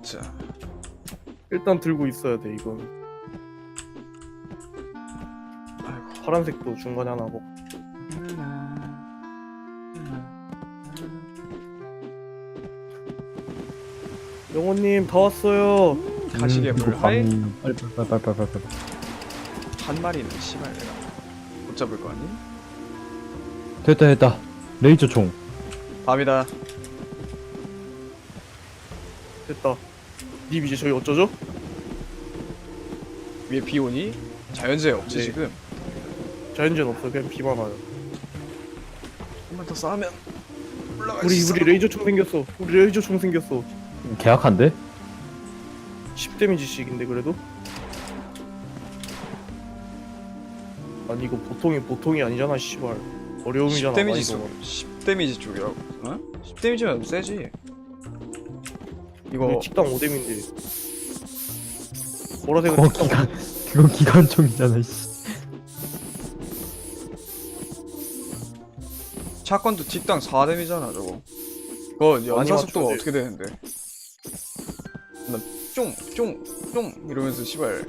자, 일단 들고 있어야 돼 이건. 아이고. 파란색도 중간에 하나 먹고. 영호님 다 왔어요. 가시게물 하이 빨리. 한 마리는 씨발 내가 못 잡을 거 아니? 됐다. 레이저 총. 밤이다. 됐다. 님 이제 저희 어쩌죠? 위에 비 오니? 자연재해 없지 네. 지금? 자연재는 없어. 그냥 비만 와요. 한번 더 싸우면 올라갈 우리 수 있어. 레이저 총 생겼어. 우리 레이저 총 생겼어. 계약한데? 10데미지씩인데 그래도? 아니 이거 보통이 아니잖아 씨발. 어려움이잖아. 10데미지 쪽, 많이 10데미지 쪽이라고? 어? 10데미지면 세지. 이거 식당 5뎀인데 보라색은 그거 식당 그거 기관총이잖아. 씨. 샷건도 뒷땅 4데미잖아 저거. 그거 연사 속도가 맞춰야 어떻게 되는데? 나 쫑 이러면서 씨발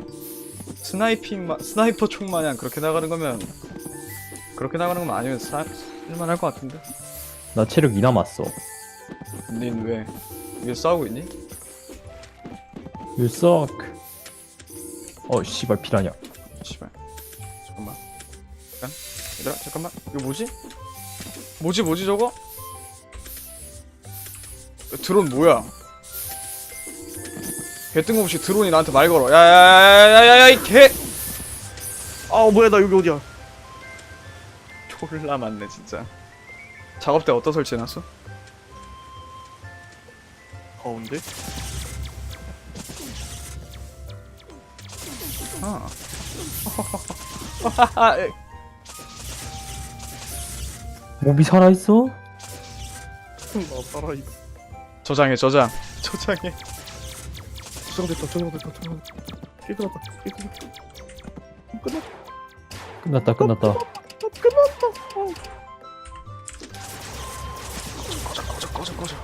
스나이퍼 총 마냥 그렇게 나가는 거면 아니면 쓸만할 것 같은데? 나 체력 2 남았어. 닌 왜 싸우고 있니? You suck. 씨발 피라냐. 씨발 잠깐만 얘들아 잠깐만 이거 뭐지 저거? 드론 뭐야? 개 뜬금없이 드론이 나한테 말 걸어. 야야야야야야 이 개! 아 뭐야 나 여기 어디야. 졸라 많네 진짜. 작업대 어디다 설치해놨어? 가운데? 아. 몸이 살아있어? 나 살아있어. 저장해. 저장됐다. 끝났다. 끝났다. 꺼져.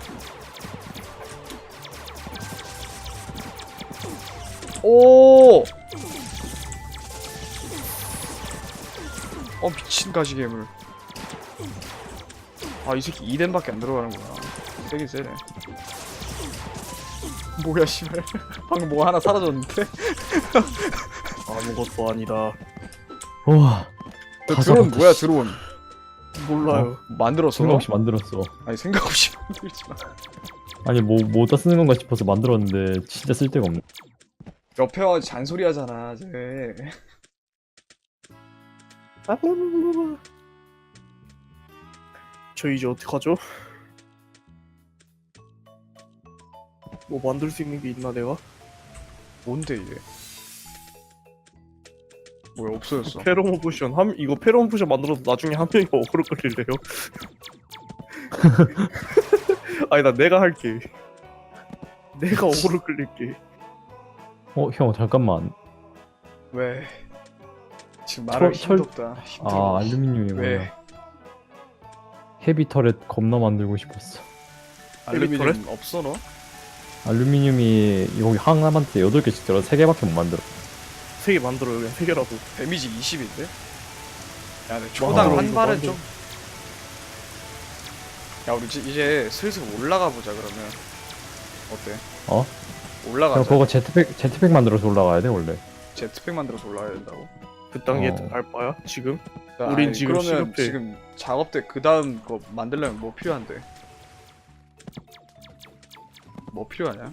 오! 미친 가시괴물. 이 새끼 2뎀밖에 안 들어가는구나. 세긴 세네. 뭐야 씨발. 방금 뭐 하나 사라졌는데? 아무것도 아니다. 와. 너 다 드론 잡았다, 뭐야 씨. 드론? 몰라요. 만들었어? 생각 없이 만들었어. 아니 생각 없이 만들지 마. 아니 뭐다 쓰는 건가 싶어서 만들었는데 진짜 쓸데가 없네. 옆에 와 잔소리 하잖아 쟤. 저 이제 어떡하죠? 뭐 만들 수 있는 게 있나 내가? 뭔데 이게? 뭐야 없어졌어. 페로몬 포션 이거 페로몬 포션 만들어서 나중에 한 명이 어그로 끌릴래요? 아니 나 내가 할게. 내가 어그로 끌릴게. 형 잠깐만. 왜? 지금 말할 힘도 없다. 힘들어. 알루미늄이 왜? 뭐야? 헤비 터렛 겁나 만들고 싶었어. 알루미늄 없어 너? 알루미늄이 여기 하나한테 8개씩 들어 3개밖에 못 만들어. 3개 만들어요 그냥 3개라도. 데미지 20인데? 야 근데 초당 한 이거 발은 만들어. 좀. 야 우리 이제 슬슬 올라가 보자 그러면. 어때? 형 올라가자. 그거 제트팩 만들어서 올라가야 돼 원래. 제트팩 만들어서 올라가야 된다고? 그 단계에 어. 갈 바야 지금? 야, 우린 아니, 지금 그러면 시급해. 지금 작업대 그 다음 거 만들려면 뭐 필요한데? 뭐 필요하냐?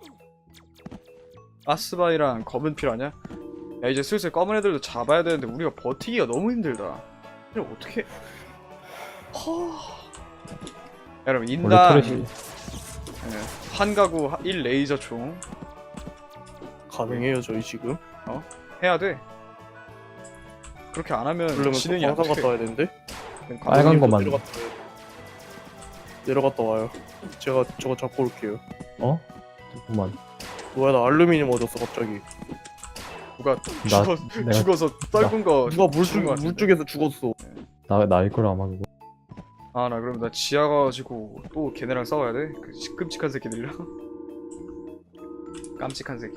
가스바이랑 검은 필요하냐? 야 이제 슬슬 검은 애들도 잡아야 되는데 우리가 버티기가 너무 힘들다. 이거 어떻게? 여러분 원래 인당 터렛이 한 가구 1 레이저 총 가능해요 저희 지금? 해야 돼. 그렇게 안 하면 그러려면 진행이 안 광산 돼. 갔다 와야 되는데? 빨간 거 만들. 내려갔다 와요. 제가 저거 잡고 올게요. 잠깐만. 뭐야 나 알루미늄 얻었어 갑자기. 누가 내가 죽어서 떫은 거 누가 죽은 거 같은데. 물쪽에서 죽었어. 나일 거라 아마 그거. 나 그럼 나 지하 가지고 또 걔네랑 싸워야 돼? 그 끔찍한 새끼들이랑. 깜찍한 새끼들.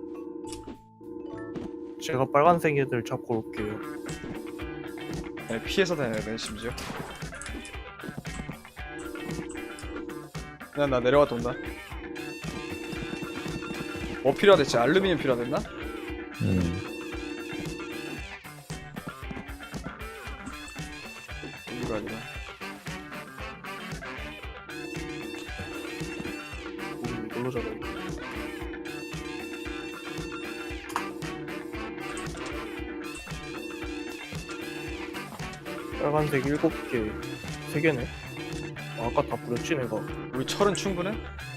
제가 빨간색 애들 잡고 올게요. 아니, 피해서 다녀야 돼 심지어. 그냥 나 내려갔다 온다. 뭐 필요하댔지? 알루미늄 필요하댔나? 이거 아니라. 이걸로 잡아. 빨간색 7개, 3개네. 아까 다 뿌렸지 내가. 우리 철은 충분해?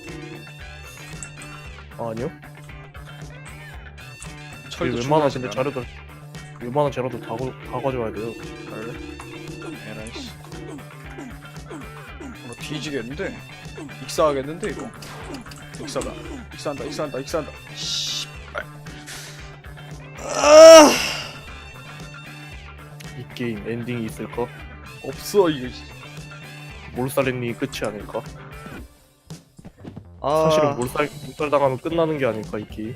아니요. 철도 웬만한 충분하지 근데 않아? 자료들, 웬만한 재료도 다 가져와야 돼요. 그래? 에라이 씨. 뭐 뒤지겠는데? 익사하겠는데 이거? 익사다. 익사한다. 씨발. 이 게임 엔딩이 있을까? 없어 이거. 몰살 엔딩이 끝이 아닐까? 아, 사실은 몰살 당하면 끝나는 게 아닐까 이 게임.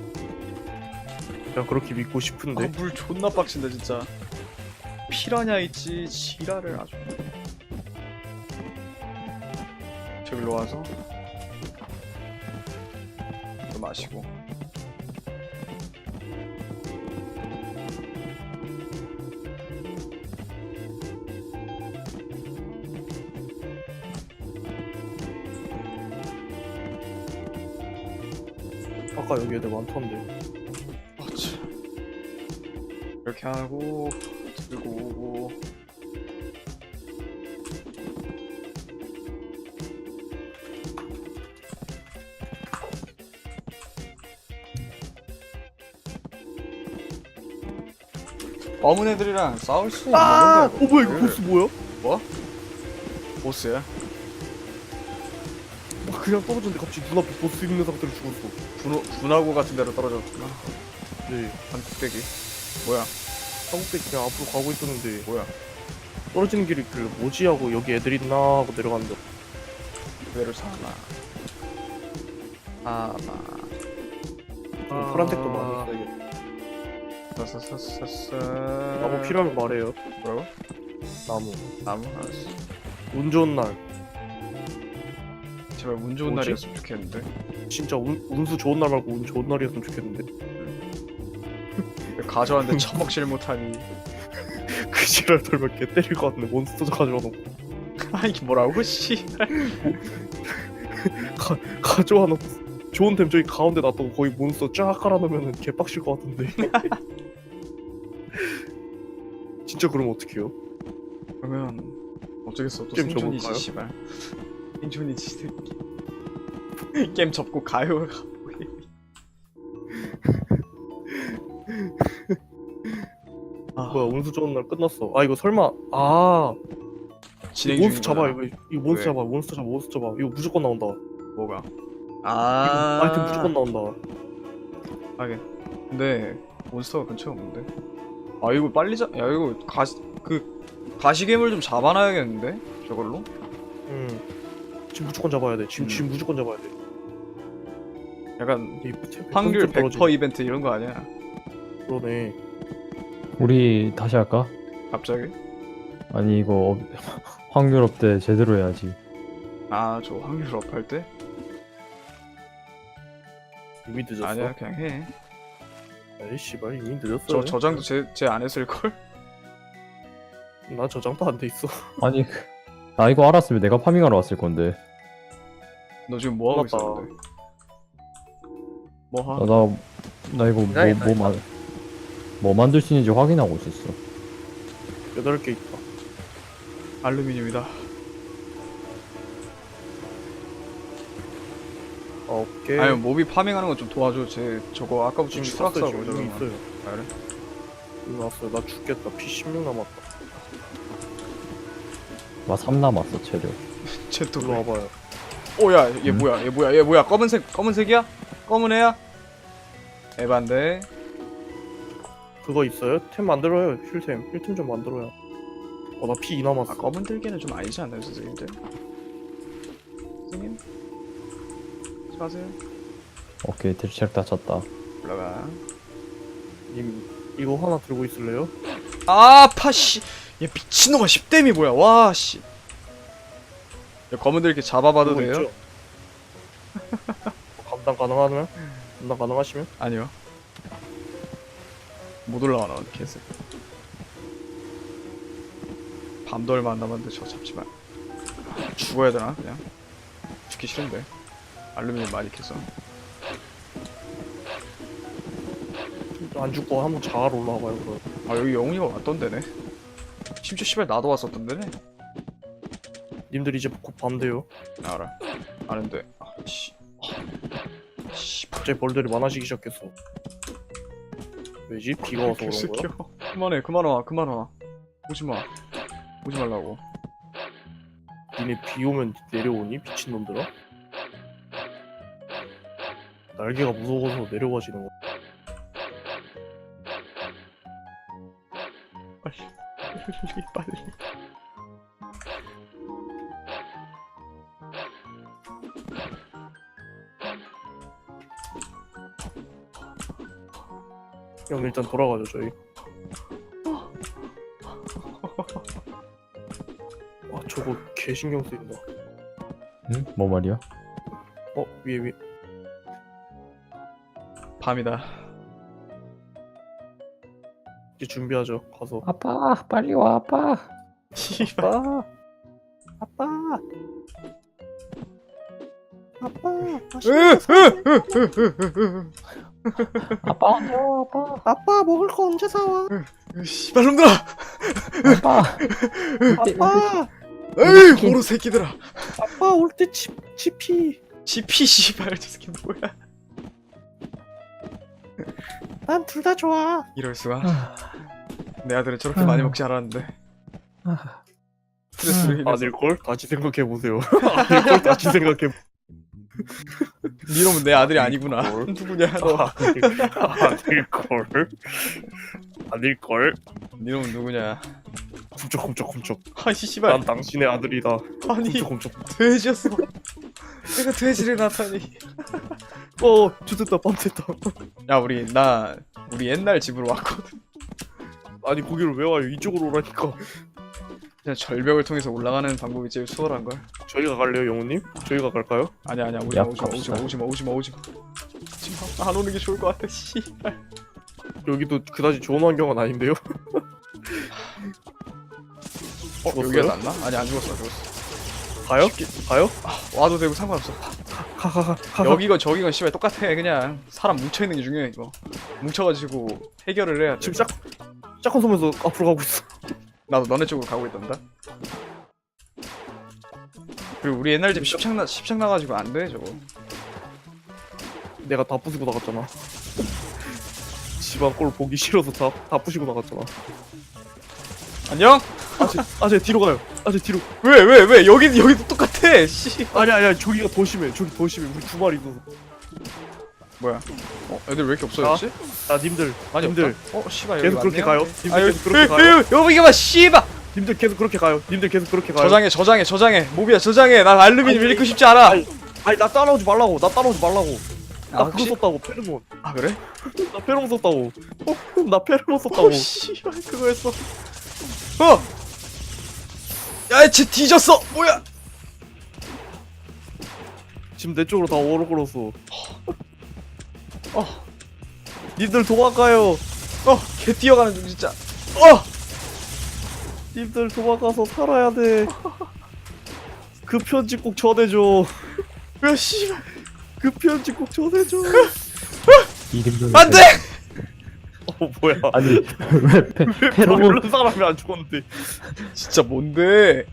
그냥 그렇게 믿고 싶은데. 물 존나 빡친다 진짜. 피라냐 있지 지랄을 아주. 저기로 와서 또 마시고. 아까 여기 애들 많던데. 어차. 이렇게 하고 들고 오고. 검은 애들이랑 싸울 수 있는 아! 건데. 뭐야 이거 보스 뭐야? 뭐? 보스야? 막 그냥 떨어졌는데 갑자기 눈앞에 보스 있는 상태로 죽었어. 분화구 같은 데로 떨어졌구나. 네. 한 뚝배기. 뭐야? 한국대 그냥 앞으로 가고 있었는데 뭐야? 떨어지는 길이 있길래 뭐지 하고 여기 애들 있나 하고 내려갔는데 그대로 사나. 아마. 파란색도 많이 있어 이게. 사사사사사. 나무 필요하면 말해요. 뭐라고? 나무? 알았어. 운 좋은 날 제발 운 좋은 뭐지? 날이었으면 좋겠는데. 진짜 운수 좋은 날 말고 운 좋은 날이었으면 좋겠는데. 가져왔는데 처먹질 못하니. 그 지랄 털면 개 때릴 것 같네. 몬스터 가져와 놓고 아이 뭐라고 씨. 가져와 놓고 좋은 템 저기 가운데 놔두고 거의 몬스터 쫙 깔아놓으면 개빡칠 것 같은데. 진짜 그러면 어떡해요? 그러면 어쩌겠어. 또 게임 생존이지 접을까요? 씨발. 생존이지 새끼. 게임 접고 가요. 아, 뭐야 운수 좋은 날 끝났어. 아 이거 설마 진행 몬스터 중인 잡아 거야. 이거 몬스터 왜? 잡아 몬스터 잡아 이거 무조건 나온다. 뭐가? 이거 아이템 무조건 나온다. 하긴. 근데 몬스터가 근처에 없는데. 아 이거 빨리 야 이거 가시괴물 좀 잡아놔야겠는데 저걸로? 지금 무조건 잡아야 돼. 지금 음. 지금 무조건 잡아야 돼. 약간 이 템 확률 떨어지- 100% 이벤트 이런 거 아니야? 그러네. 우리 다시 할까? 갑자기? 아니 이거 확률 업데 제대로 해야지. 아 저 확률 업할 때? 이미 늦었어. 아니야 그냥 해. 에이 씨발 이미 늦었어. 저 저장도 제 안 했을 걸? 나 저장도 안 돼 있어. 아니 나 이거 알았으면 내가 파밍하러 왔을 건데. 너 지금 뭐 하고 맞다. 있었는데? 뭐 하? 나 이거 뭐 만들 수 있는지 확인하고 있었어. 8개 있다. 알루미늄이다. 9개. 아니 모비 파밍하는 거 좀 도와줘. 제 저거 아까부터 지금 추락사고 있어요. 저러는 지금 거. 있어요. 아, 그래? 이거 왔어요. 나 죽겠다. 피 16 남았다. 나 3 남았어 체력. 쟤또 일로 와봐요. 오야 얘 뭐야 얘 뭐야 검은색이야? 검은 애야? 에반데. 그거 있어요? 템 만들어요. 힐템 좀 만들어요. 나 피 2 남았어. 아 검은 들개는 좀 아니지 않나요 선생님들? 선생님? 하지 마세요. 오케이 체력 다 찼다. 올라가. 님 이거 하나 들고 있을래요? 아, 파씨. 얘 미친놈아 10댐이 뭐야? 와, 씨. 야, 검은들 이렇게 잡아봐도 들고 돼요? 있죠? 감당 가능하면? 감당 가능하시면? 아니요. 못 올라가 나 개새. 밤도 얼마 안 남았는데 저거 잡지 마. 죽어야 되나 그냥? 죽기 싫은데. 알루미늄 많이 캐서. 안 죽고 한번 자갈 올라와봐요 그럼. 아 여기 영웅이가 왔던데네. 심지어 씨발 나도 왔었던데네. 님들 이제 곧 밤 돼요. 알아. 아는데. 아 씨. 씨. 갑자기 벌들이 많아지기 시작했어. 왜지? 비가 와서 그런 거야? 개새끼야. 그만해 그만 와 그만 와. 오지마. 오지 말라고. 니네 비 오면 내려오니? 미친놈들아? 날개가 무서워서 내려가지는 거야. 빨리 빨리. 형 일단 돌아가죠 저희. 와 저거 개 신경 쓰인다. 응? 뭐 말이야? 위에 밤이다. 이제 준비하죠. 가서. 아빠 빨리 와 아빠. 씨발. 아빠. 아빠. 아빠 언제 와 아빠. 아빠 먹을 거 언제 사와? 씨발놈들아. 아빠. 아빠. 에이 모르 새끼들아. 아빠 올 때 치피. GP 씨발 저 새끼 뭐야? 난 둘 다 좋아. 이럴 수가. 내 아들은 저렇게 많이 먹지 않았는데. 스트레스를 인해서. 아닐 걸? 다시 생각해 보세요. 아닐 걸 다시 생각해. 니놈은 내 아들이 아니구나. 뭘? 누구냐 너. 아닐 걸. 아닐 걸. 니놈은 누구냐. 훔쩍. 아이 씨발. 난 당신의 아들이다. 아니 훔쩍. 돼지였어. 내가 돼지를 나타니. 주됐다 밤됐다. 야 우리 옛날 집으로 왔거든. 아니 거기를 왜 와요? 이쪽으로 오라니까. 그냥 절벽을 통해서 올라가는 방법이 제일 수월한걸. 저희가 갈래요, 영우님? 저희가 갈까요? 아니야 오지마. 안 오는 게 좋을 것 같아. 씨발. 여기도 그다지 좋은 환경은 아닌데요? 여기가 낫나? 아니 안 죽었어. 가요? 가요? 와도 되고 상관없어. 가. 여기건 저기건 씨발 똑같아. 그냥 사람 뭉쳐있는 게 중요해 이거. 뭉쳐가지고 해결을 해야 돼. 지금 짝꿍 서면서 앞으로 가고 있어. 나도 너네 쪽으로 가고 있단다. 그리고 우리 옛날 집 십창 나가지고 안 돼 저거. 내가 다 부수고 나갔잖아. 집안 꼴 보기 싫어서 다 부시고 나갔잖아. 안녕? 아제 뒤로 가요. 아제 뒤로. 왜? 여기도 똑같아. 씨. 아니야 저기가 더 심해. 저기 더 심해. 우리 두 마리 있어서. 뭐야? 애들 왜 이렇게 없어졌지? 님들. 많이 님들 없다? 씨발 계속 여기 그렇게 왔네요? 가요. 님들 계속 그렇게 가요. 여기 봐 씨발. 님들 계속 그렇게 가요. 님들 계속 그렇게 가요. 저장해. 모비야 저장해. 나 알루미늄 읽고 싶지 않아. 아니 나 따라오지 말라고. 나 아, 그거 썼다고 페르몬. 아 그래? 나 페르몬 썼다고. 나 페르몬 썼다고. 씨발 그거였어. 야, 쟤 뒤졌어. 뭐야? 지금 내 쪽으로 다 오르걸었어. 님들 도망가요. 개 뛰어가는 중 진짜. 님들 도망가서 살아야 돼. 그 편지 꼭 전해줘. 야, 씨발. 그 편지 꼭 전해줘. 이름도 안 돼! 뭐야? 아니 왜 페로몬 모르는 사람이 안 죽었는데. 진짜 뭔데?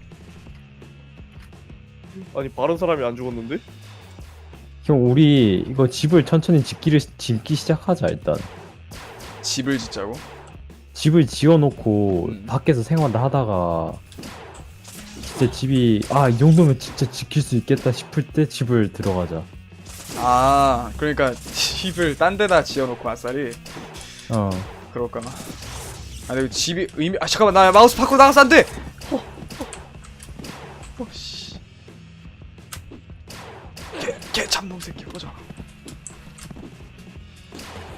아니 바른 사람이 안 죽었는데? 형 우리 이거 집을 천천히 짓기 시작하자. 일단 집을 짓자고? 집을 지어놓고 음. 밖에서 생활을 하다가 진짜 집이 이 정도면 진짜 지킬 수 있겠다 싶을 때 집을 들어가자. 아, 그러니까 집을 딴 데다 지어놓고 아싸리. 그럴까? 아, 근데 집이 잠깐만, 나 마우스 바꾸고 나가서 안 돼! 씨. 개 잡놈 새끼, 꺼져.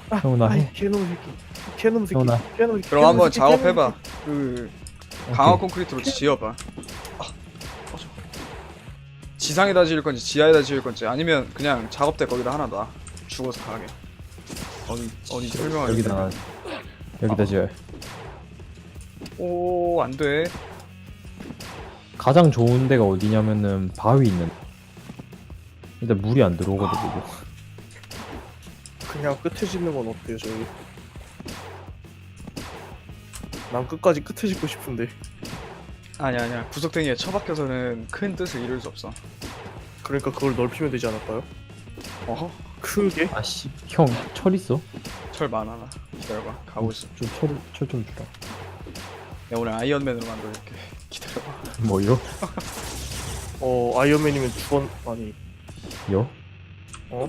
형훈아 아이 해. 개놈 새끼. 개놈 새끼. 형훈아. 개놈 새끼. 그럼 한번 개놈 새끼, 작업해봐. 그 강화 콘크리트로 지어봐. 꺼져. 지상에다 지을 건지 지하에다 지을 건지 아니면 그냥 작업대 거기다 하나 놔. 죽어서 가게. 어디 설명하기. 여기다 여기다 지어. 오, 안 돼. 가장 좋은 데가 어디냐면은 바위 있는. 일단 물이 안 들어오거든 이거. 그냥 끝에 짓는 건 어때요 저희? 난 끝까지 끝에 짓고 싶은데. 아니야. 구석탱이에 처박혀서는 큰 뜻을 이룰 수 없어. 그러니까 그걸 넓히면 되지 않을까요? 어허? 크게? 아씨 형 철 있어? 철 많아 나. 기다려봐. 가고 있어. 철 좀 주라. 내가 오늘 아이언맨으로 만들어줄게. 기다려봐. 뭐요? 아이언맨이면 주원 아니 요? 어?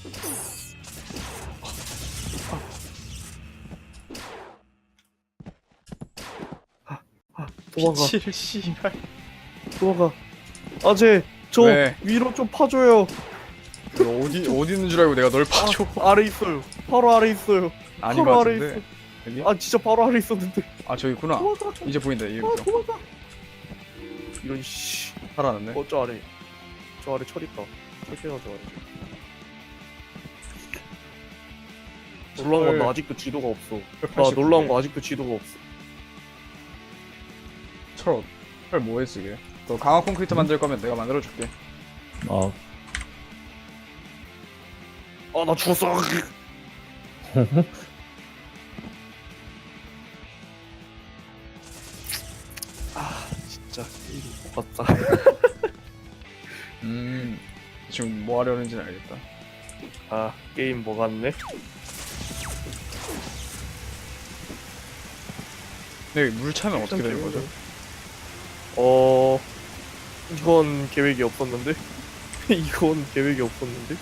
도망가 미칠 씨발. 도망가 아재 저 왜? 위로 좀 파줘요. 너 어디 있는 줄 알고 내가 널 파줘. 아래 있어요. 바로 아래 있어요. 아닌 것 바로 아래 같은데. 여기? 아 진짜 바로 아래 있었는데. 아 저기 있구나. 도망가. 이제 보인다. 이제 도망가. 보여. 도망가. 이런 씨. 살아났네. 저 아래. 저 아래 철 있다. 철퇴가 저 아래. 놀라운 건 나 아직도 지도가 없어. 나 놀라운 거 아직도 지도가 없어. 철 뭐해 쓰게? 너 강화 콘크리트 만들 거면 내가 만들어줄게. 아 아 나 죽었어. 아 진짜 게임 똑같다. 지금 뭐 하려는지는 알겠다. 아 게임 뭐 같네. 근데 물 차면 어떻게 되는 거죠? 이건 계획이 없었는데. 이건 계획이 없었는데.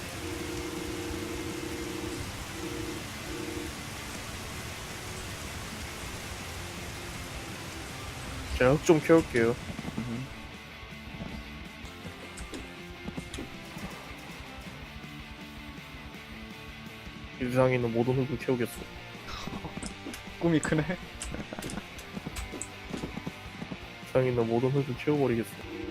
제가 흙 좀 캐올게요. 이 세상에 있는 모든 흙을 캐오겠어. 꿈이 크네. 세상에 있는 모든 흙을 캐워버리겠어.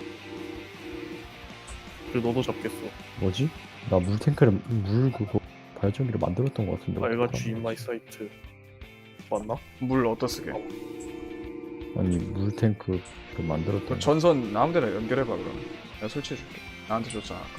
그리고 너도 잡겠어. 뭐지? 나 물탱크를 물 그거 발전기를 만들었던 것 같은데. 말같이 인마이 사이트 맞나? 물 어디다 쓰게? 아니 물탱크를 만들었던. 그럼 전선 아무데나 연결해봐 그럼. 내가 설치해줄게. 나한테 줬잖아 아까.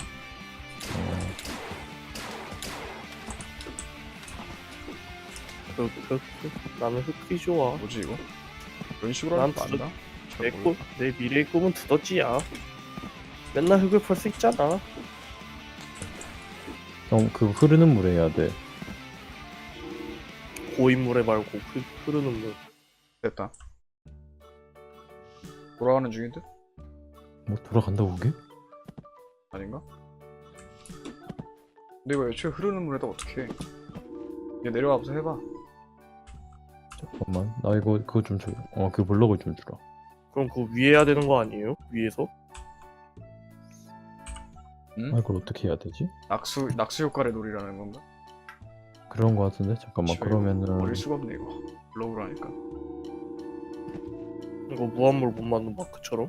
나는 흙이 좋아. 뭐지 이거? 이런 식으로 난 하는 거 맞나? 잘 내 모르겠다. 내 미래의 꿈은 두더지야. 맨날 흙을 팔 수 있잖아. 그 흐르는 물에 해야 돼. 고인물에 말고 흐르는 물. 됐다. 돌아가는 중인데? 뭐 돌아간다고 그게? 아닌가? 근데 이거 애초에 흐르는 물에다 어떻게 해? 얘 내려와서 해봐. 잠깐만 나 이거 그거 좀 줘. 그 블럭을 좀 주라. 그럼 그거 위에 해야 되는 거 아니에요? 위에서? 아 이걸 어떻게 해야 되지? 낙수 효과를 노리라는 건가? 그런 거 같은데 잠깐만 지금 그러면은 버릴 수가 없네 이거. 블로그로 하니까. 이거 무한물 못 맞는 마크처럼?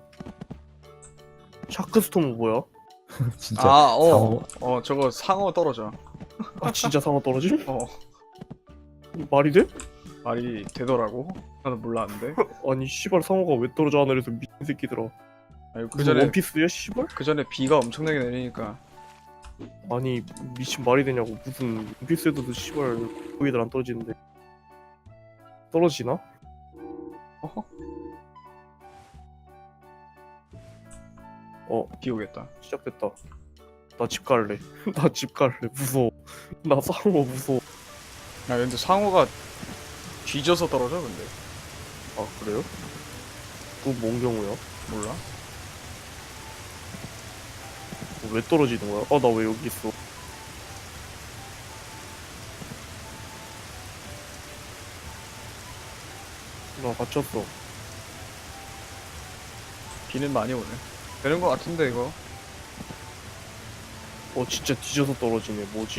샤크스톰은 뭐야? 진짜 저거 상어 떨어져. 아 진짜 상어 떨어짐? 어, 말이 돼? 말이 되더라고. 나도 몰랐는데. 아니 씨발 상어가 왜 떨어져 하늘에서 미친 새끼들아. 아니, 그 무슨 전에 원피스야 씨발? 비가 엄청나게 내리니까. 아니 미친 말이 되냐고. 무슨 원피스에도 씨발 거기들 안 떨어지는데 떨어지나? 어허. 비 오겠다. 시작됐다. 나 집 갈래. 나 집 갈래. 무서워. 나 상어 무서워. 야 근데 상어가 뒤져서 떨어져 근데. 아 그래요? 그건 뭔 경우야? 몰라. 왜 떨어지는 거야? 아 나 왜 여기 있어? 나 갇혔어. 비는 많이 오네. 되는 거 같은데 이거. 진짜 뒤져서 떨어지네. 뭐지?